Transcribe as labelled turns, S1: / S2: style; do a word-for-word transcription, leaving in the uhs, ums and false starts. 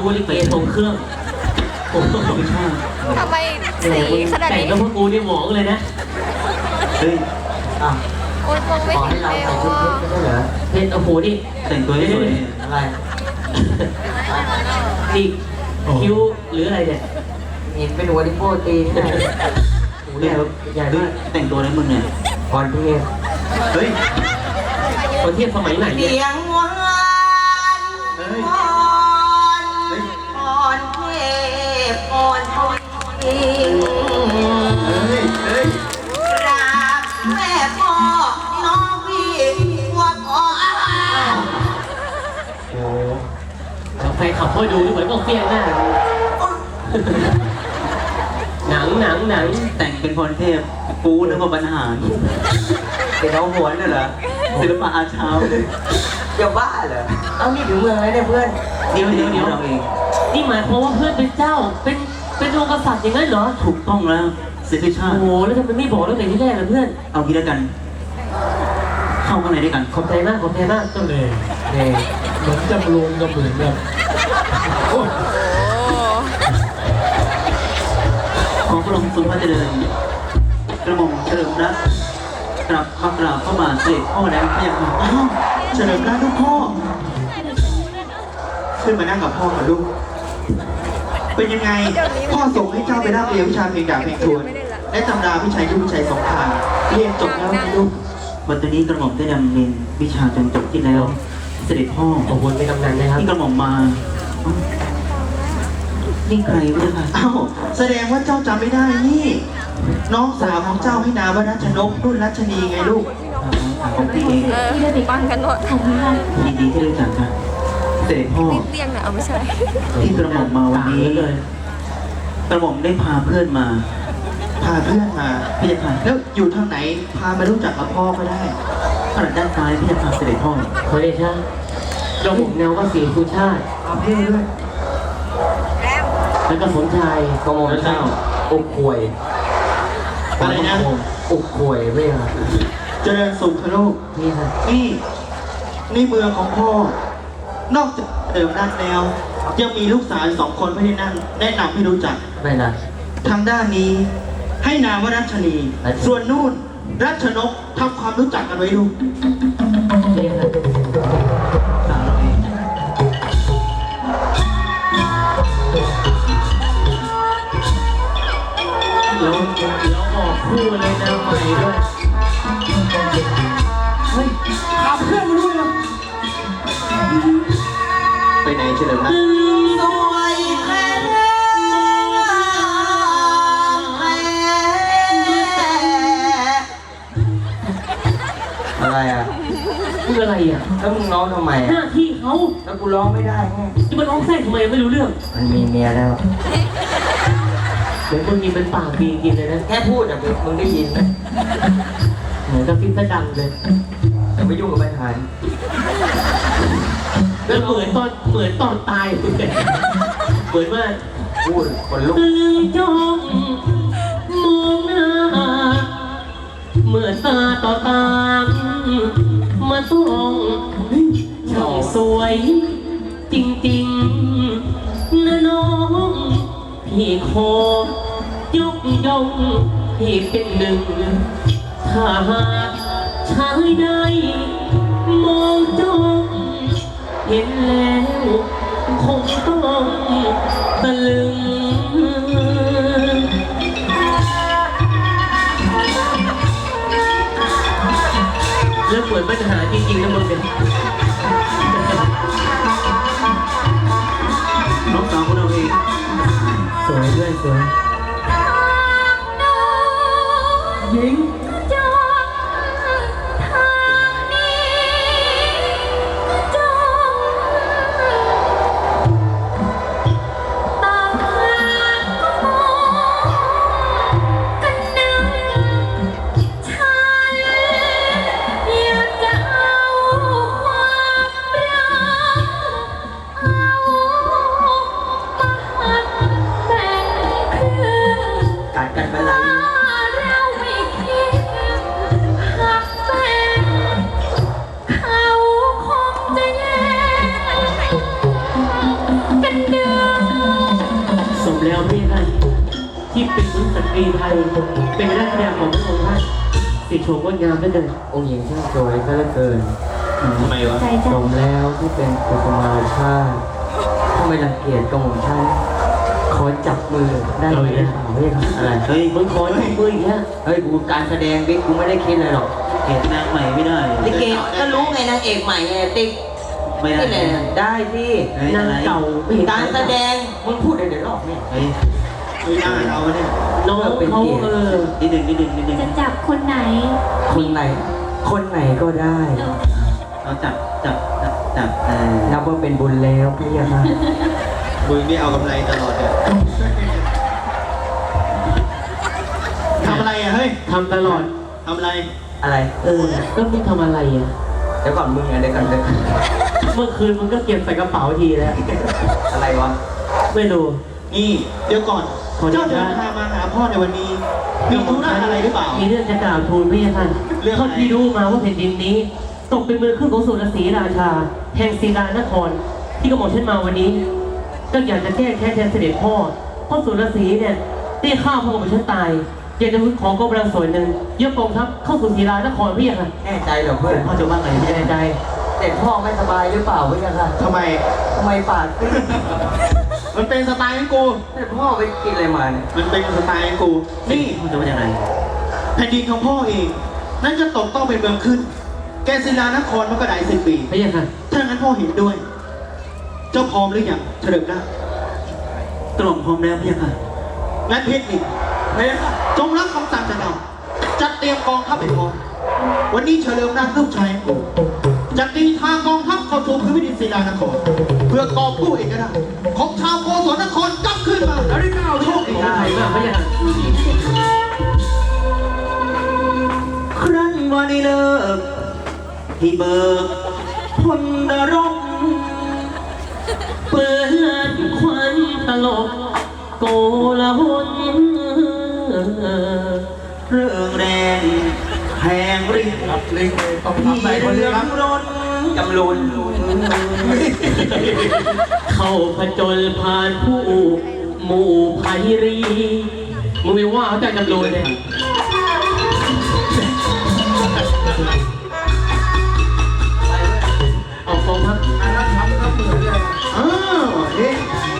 S1: กว่าลิเกทรงเครื่องโอ้โหไม่ใช่
S2: ทำไมสีขนาด
S1: แต่ง
S2: นี้
S1: กับพวกกูนี่หมองเลยนะ
S3: เฮ้ยอ่ะ
S2: โอ๊ยมองไม่
S3: ขอ
S2: เห็
S3: ให้
S2: น
S3: เรา
S2: เลย
S3: ใส่ชุด
S2: ว่า
S3: เพชรไม่ใช่เหรอ
S1: เพชรโอ้โหนี่
S3: แต่งตัวให้สวยอะไร
S1: นี่คิ้วหรืออะไรเนี่ย
S4: เห็นเป็นหัวดิโป้ตีนเนี่ย
S1: โอ้โหเนี่ยใหญ่มาก
S3: แต่งตัวอะไรมึงเนี่ย
S4: ก่อนเทพ
S3: เฮ้ย
S1: คนเทียบสมัยไหนเนี่ย
S4: เสียงหวาน
S3: เฮ้ย
S4: อ่อนอ่อนเทพอ่อนทวี
S3: เฮ้ยเฮ้ย
S4: กราบแม่พ่อน้องพี่ว่าก่อน
S3: โอ้
S1: แฟนขับเข้าไปดูเหมือนพวกเฟี้ยงหน้าหนังหนังหนัง
S3: แต่งเป็นพรเทพกูนึกว่าบรรหาร
S4: เป็นน้องหวนน่ะเหรอ
S3: ศิลปะอาชาว
S4: จะบ้าเหรอเอานี่ถึงเมืองแล้วเนี่ยเพื่อน
S1: เดี๋ยวเดี๋ยวเดี๋ยว
S3: เราเอง
S1: นี่หมายความว่าเพื่อนเป็นเจ้า เป็นเป็นองค์กษัตริย์อย่างนั้นเหรอ
S3: ถูกต้องแล้วสิทธิชา
S1: โอ้
S3: ติ
S1: โหแล้วทำไมไม่บอกตั้งแต่ที่แรกล่ะเพื่อน
S3: เอางี้แล้วกัน เข้าข้างในด้วยกัน
S1: ขอบใจมากขอบใจมาก
S5: ก็เลยเนี่ยเหมือนจำลองก็เหมือนแบบโอ้ย
S3: ขอพระองค์ทรงพระเจริญกระหม่อมเฉลิมรัตน์กลับมากราบพระบาทเสด็จพ่อแล้วพระยาค่ะอ้าวเฉลิมรัตน์ลูกพ่อ ขึ้นมานั่งกับพ่อกับลูก เป็นยังไง พ่อส่งให้เจ้าไปรับเรียนวิชาเพลงดาบเพลงทวนและตำราพิชัยยุทธพิชัยสงครามเรียนจบแล้วนะลูกวันนี้กระหม่อมได้ดำเนินวิชาจนจบที่แล้ว เสด็จพ่อ
S1: ขอบคุณเป็นกำนันนะครับ
S3: ที่กระหม่อมมาเอ้านี่ใครวะเนี่ยอ้าวแสดงว่าเจ้าจำไม่ได้นี่ น้องสาวของเจ้าให้นามว่ารัชนกรุ่นรัชนีไงลูกของพี่เอง
S2: เออปังกันหมด
S3: ยินดีที่รู้จักค่ะเสด็จพ่อ
S2: รีบเรียงนะเอาไม่ใช่
S3: ที่กระหม่อมมาวันนี้
S1: เลย
S3: กระหม่อมได้พาเพื่อนมา พาเพื่อนมาพี่จะพาแล้วอยู่ทางไหนพามารู้จักกับพ่อก็ได้ขนาดด้านซ้ายพี่จะพาเสด็จพ่อ
S1: ขอเดชะเราผมแนวว่าสีสุชาติ
S3: พาเพื่อนด้วย
S1: แล้วก็สมชาย
S4: กระหม่อมเจ้าอุกควย
S3: อะไรนะ
S4: อุกควยไม่เหรอ
S3: เจริญสุขลูก
S1: นี่ครับ
S3: นี่นี่เมืองของพ่อ นอกจากเดิมด้านแล้ว ยังมีลูกสาวอีกสองคนพี่ที่นั่งแนะนำให้รู้จัก
S4: ไม่นะ
S3: ทางด้านนี้ให้นามว่ารัชนี
S4: รัชนี
S3: ส่วนนู่นรัชนกทำความรู้จักกันไว้ลูก
S1: นี่ครับ
S3: สาวเราเอง
S1: แล้วแล้วออกคู่เลยนะใหม่ด้วย
S3: เฮ้ยพาเพื่อนมาด้วยเหรอไปไหนเฉลิมนะ
S4: สวยแท้อะไรอ่ะ
S1: คืออะไรอ่ะ
S4: แล้วมึงร้องทำไม
S1: ห
S4: อ่ะ
S1: น้าที่เขา
S4: แล้วกูร้องไม่ได้ไง
S1: จะมาร้องแทรกทำไมไม่รู้เรื่อง
S4: มันมีเมียแล้ว
S1: เหมือนคนมีเป็นปากดีจริงเลยนะ
S4: แค่พูดอ่ะมึงได้ยินไหม
S1: เหมือนกับฟิตดังเลย
S4: แต่ไม่ยุ่งกับปัญหา
S1: แล้วเหมือนตอนเหมือนตอนตายเหมือนมาก
S4: พูดคนลุก
S1: ตึงจ้องมองหน้าเมื่อตาต่อตามาต้องช่างสวยจริงๆนะน้องพี่ขอยกย่องพี่เป็นหนึ่งถ้าหากชายใดมองจ้องเห็นแล้วคงต้องตะลึงแล้วเหมือนปัญหาจริงๆนะมึงเป็น
S3: น้องสาวของเราเอง
S1: สวยด้วยสวยหญิง
S2: จงทางนี้จงตามหากันนึงฉันอยากจะเอาความ
S1: แล้วพี่ท่านที่เป็นสุสตรีไทยเป็นนักแสดงของพระองค์ท่านติดโฉมงดงามเหลือเกิน
S6: องค์หญิงช่างสวยซะเหลือเกิน
S3: ทำไมวะ
S2: ใจ
S6: ส
S2: จ้ะ
S6: มแล้วที่เป็นกุสุมาชาติถ้าไม่รังเกียจกระหม่อมฉันขอจับมือได้ไหมเฮ้ยอะไร
S3: เฮ้ย
S1: มึงขอจับมืออีกแล้ว
S6: เฮ้ยกูการแสดงบิ๊กกูไม่ได้คิดอะไรหรอก
S3: เห็นนางใหม่ไม่ได้
S4: ลิเกก็รู้ไงนางเอกใหม่ไงติ๊ก
S3: ไม่ได้
S4: นี่แหละ
S6: ได้ที่
S3: เฮ้ย
S1: นาง
S3: อะไร
S1: เก่าไม่เห็น
S4: การแสดง
S6: มึงพูดเดี๋ยวเดี๋ยวรอบเนี่ย
S3: เฮ้ยไม่ได้เอาเนี่ย
S1: น้องเขาเออ
S3: นิดหนึ่งนิดหนึ่งนิดหนึ่ง
S2: จะจับคนไหน
S6: คนไหน คนไหนก็ได้
S3: เราจับจับจับจับเออ
S6: นับว่าเป็นบุญแล้วพี่ยะค่ะ
S3: มึงนี่เอากำไรตลอดเลยทำอะไรอ่ะเฮ้ย
S1: ทำตลอด
S3: ทำอะไร
S6: อะไร
S1: เออก็มึงทำอะไรอ่ะ
S6: เดี๋ยวก่อนมึงอะเดี๋ยวก่อนเดี๋ยว
S1: เมื่อคืนมึงก็เก็บใส่กระเป๋าทีแล้ว
S6: อะไรวะ
S1: ไม่รู้
S3: นี่เดี๋ยวก่อน
S1: ขออนุญาต
S3: เจ้าเดินทางมาหาพ่อในวันนี้ มีธุระอะไรหรือเปล่า
S1: มีเรื่องจะกล่าวทูลพี่ท่าน
S3: เรื่องอะไร
S1: เท่าที่รู้มาว่าแผ่นดินนี้ ตกเป็นมือขึ้นของสุรศรีราชา แห่งศิลานคร ที่กระหม่อมฉันมาวันนี้ ก็อยากจะแก้แค้นแทนเสด็จพ่อเพราะสุรศรีเนี่ยได้ฆ่าพ่อกระหม่อมฉันตาย อยากจะขอกำลังส่วนหนึ่งยกกองทัพเข้าสู่ศิลานครพี่ค่ะ
S6: แน่ใจเหรอเพื่อน
S3: พ่อจะว่าไง
S1: ไม่แน่ใจ
S6: เด็กพ่อไม่สบายหรือเปล่าพี่ยะค่ะ
S3: ทำไม
S6: ทำไมปากซีด
S3: มันเป็นสไตล์ของกู
S6: เด็กพ่อไปกินอะไรมาเนี่ย
S3: มันเป็นสไตล์ของกู นี่พ่อจะว่าอย่างไรแผ่นดินของพ่อเอง นั่นจะตกต้องเป็นเมืองขึ้น แกศิลานครมันก็ได้สิบปี
S1: พี่ค่ะ
S3: ถ้างั้นพ่อเห็นด้วย เจ้าพร้อมหรือยังเฉลิมนาตรวมพร้อมแล้วพี่ค่ะงั้นเพชรนี่พี่ค่ะจงรับคำสั่งจากเราจัดเตรียมกองทัพให้พร้อมวันนี้เฉลิมนาลูกชายของผมจะตีทางกองทัพเข้าสู่พื้นแผ่นดินศิลานคร เพื่อกอบกู้เอกราชของชาวโกศลนครกลับขึ้นมาแล้วได้ก้าวโชคดี
S1: ขอบคุณมากพี่ค่ะ
S3: ครั้นวันนี้เลิกที่เบิกพลนรก
S1: เปิดควันตลกโกลาหล
S3: เรื่องแรงแหงริบ
S5: รับลิงเลยต้อง
S3: ที่
S5: ทำอะไรคน
S3: เรื
S5: เดียว
S3: อ
S5: ครับ
S3: งรน
S6: จำลุน
S1: เข้าผจญผ่านผู้หมู่ไพรีมึงไม่ว่าเขาแต่จำเลยเลยเอากองทัพ